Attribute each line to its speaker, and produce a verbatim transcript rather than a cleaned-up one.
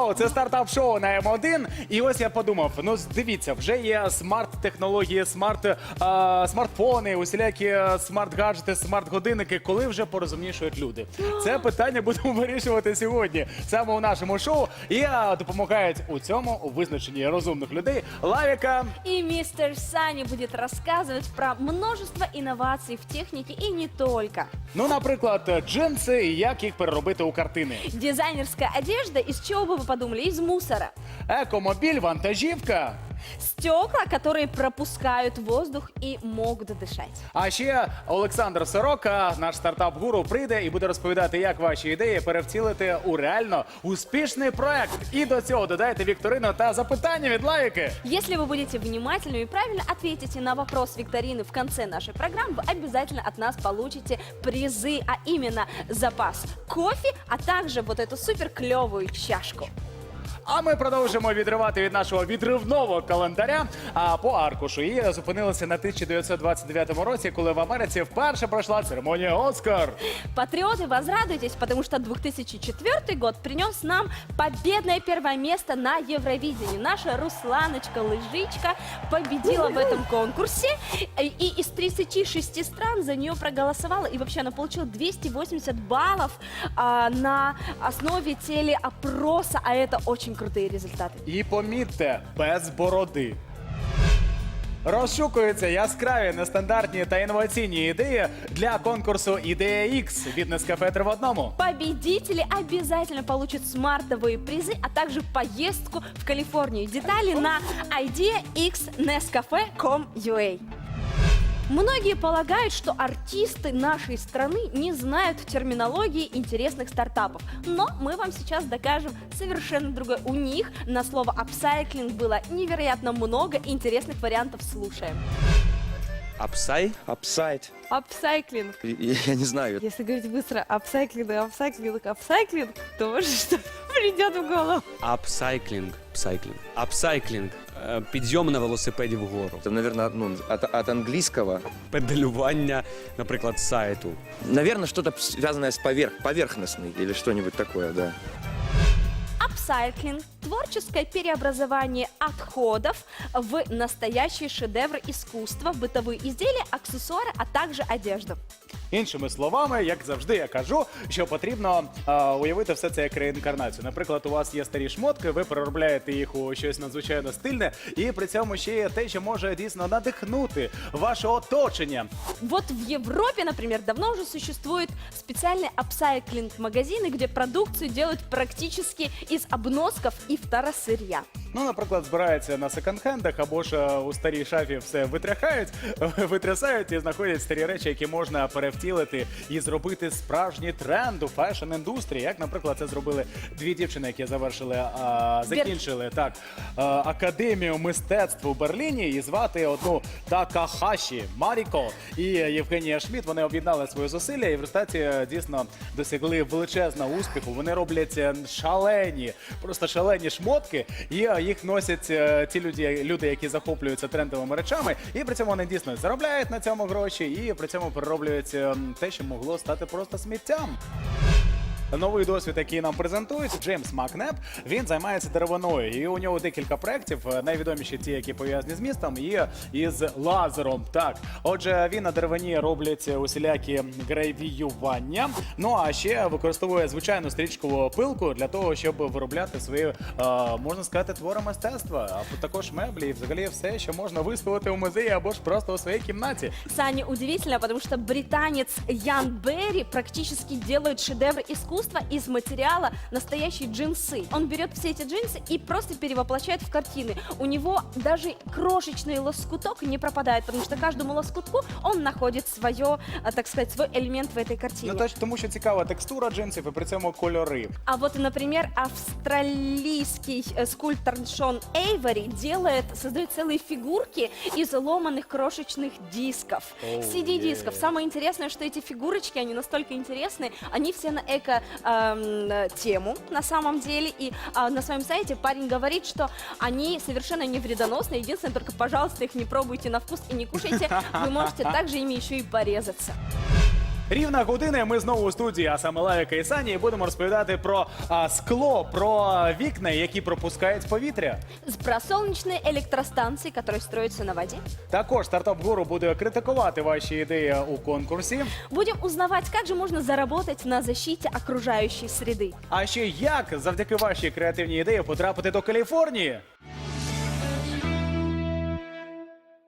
Speaker 1: шоу, це стартап-шоу на М один. І ось я подумав, ну дивіться, вже є смарт-технології, смарт, а, смартфони, усілякі смарт-гаджети, смарт-годинники. Коли вже порозумнішують люди? Це питання будемо вирішувати сьогодні саме у нашому шоу. І а, допомагають у цьому, у визначенні розумних людей, Лавіка.
Speaker 2: И мистер Сани будет рассказывать про множество инноваций в технике и не только.
Speaker 1: Ну, наприклад, джинси і як їх переробити у картини.
Speaker 2: Дизайнерская одежда, из чего бы вы подумали? Из мусора.
Speaker 1: Екомобіль, вантажівка.
Speaker 2: Стекла, которые пропускают воздух и могут дышать.
Speaker 1: А ще Олександр Сорока, наш стартап-гуру, прийде і буде розповідати, як ваші ідеї перевтілити у реально успішний проект. І до цього додайте вікторину та запитання від Лавіки.
Speaker 2: Если вы будете внимательны и правильно ответите на вопрос викторины в конце нашей программы, вы обязательно от нас получите призы, а именно запас кофе, а также вот эту супер клевую чашку.
Speaker 1: А ми продовжимо відривати від нашого відривного календаря а, по аркушу. І зупинилися на тисяча дев'ятсот двадцять дев'ятому році, коли в Америці вперше пройшла церемонія «Оскар».
Speaker 2: Патриоты, возрадуйтесь, потому что две тысячи четвёртый год принес нам победное первое место на Евровидении. Наша Русланочка-лыжичка победила в этом конкурсе. И из тридцати шести стран за нее проголосовала. И вообще она получила двести восемьдесят баллов а, на основе телеопроса. А это очень крутые результаты.
Speaker 1: І помітьте, без бороди. Розшукуються яскраві, нестандартні та інноваційні ідеї для конкурсу «Ідея X» від Nescafe три в одному.
Speaker 2: Победители обязательно получат смартовые призы, а также поездку в Калифорнию. Детали на idea x nescafe точка com точка ua. Многие полагают, что артисты нашей страны не знают терминологии интересных стартапов. Но мы вам сейчас докажем совершенно другое. У них на слово «апсайклинг» было невероятно много интересных вариантов. Слушаем.
Speaker 3: Апсай?
Speaker 4: Апсайд.
Speaker 2: Апсайклинг.
Speaker 4: Я, я не знаю.
Speaker 2: Если говорить быстро апсайклинг, апсайклинг, апсайклинг, то может что-то придет в голову.
Speaker 3: Апсайклінг. Апсайклінг. Апсайклінг. Е, Підйом на велосипеді вгору.
Speaker 4: Это, наверное, ну, от, от английского.
Speaker 3: Педалювання, наприклад, сайту.
Speaker 4: Наверное, что-то связанное с поверх, поверхностной или что-нибудь такое, да.
Speaker 2: Апсайклинг – творческое переобразование отходов в настоящий шедевр искусства, бытовые изделия, аксессуары, а также одежду.
Speaker 1: Іншими словами, як завжди я кажу, що потрібно а, уявити все це як реінкарнацію. Наприклад, у вас є старі шмотки, ви переробляєте їх у щось надзвичайно стильне, і при цьому ще є те, що може дійсно надихнути ваше оточення.
Speaker 2: Вот в Европе, например, давно уже существуют специальные апсайклинг-магазины, где продукцию делают практически из обносков и второсырья.
Speaker 1: Ну, наприклад, збираються на секонд-хендах або ж а, у старій шафі все витряхають, витрясають і знаходять старі речі, які можна перевтілити і зробити справжній тренд у фешн-індустрії. Як, наприклад, це зробили дві дівчини, які завершили, а, закінчили так, а, академію мистецтв у Берліні, і звати одну Такахаші Маріко і Євгенія Шмідт. Вони об'єднали свої зусилля і в результаті дійсно досягли величезного успіху. Вони роблять шалені, просто шалені шмотки, і їх носять ті люди, люди, які захоплюються трендовими речами, і при цьому вони дійсно заробляють на цьому гроші, і при цьому перероблюють те, що могло стати просто сміттям. Новий досвід, який нам презентують, Джеймс Макнеп, він займається деревиною. І у нього декілька проєктів, найвідоміші ті, які пов'язані з містом, є із лазером. Так, отже, він на деревині роблять усілякі гравіювання, ну а ще використовує звичайну стрічкову пилку для того, щоб виробляти свої, можна сказати, твори мистецтва, а також меблі і взагалі все, що можна виставити у музеї або ж просто у своїй кімнаті.
Speaker 2: Саня, удивительно, потому что британец Ян Берри практически делает шедевр искусства из материала настоящие джинсы. Он берет все эти джинсы и просто перевоплощает в картины. У него даже крошечный лоскуток не пропадает, потому что каждому лоскутку он находит свое, так сказать, свой элемент в этой картине.
Speaker 1: Ну, тому що цікава текстура джинсів і при цьому кольори.
Speaker 2: А вот, например, австралийский скульптор Шон Эйвори делает, создает целые фигурки из ломаных крошечных дисков,
Speaker 1: Oh,
Speaker 2: си ди-дисков.
Speaker 1: yeah.
Speaker 2: Самое интересное, что эти фигурочки, они настолько интересные, они все на эко-тему на самом деле. И а, на своем сайте парень говорит, что они совершенно не вредоносны. Единственное, только, пожалуйста, их не пробуйте на вкус и не кушайте. Вы можете также ими еще и порезаться.
Speaker 1: Рівна година, і ми знову у студії, а саме Лавіка і Сані, і будемо розповідати про а, скло, про вікна, які пропускають повітря.
Speaker 2: Про солнечные электростанции, которые строятся на воде.
Speaker 1: Також стартап гуру буде критикувати ваші ідеї у конкурсі.
Speaker 2: Будем узнавать, как же можно заработать на защите окружающей среды.
Speaker 1: А ще як завдяки вашій креативній ідеї потрапити до Каліфорнії.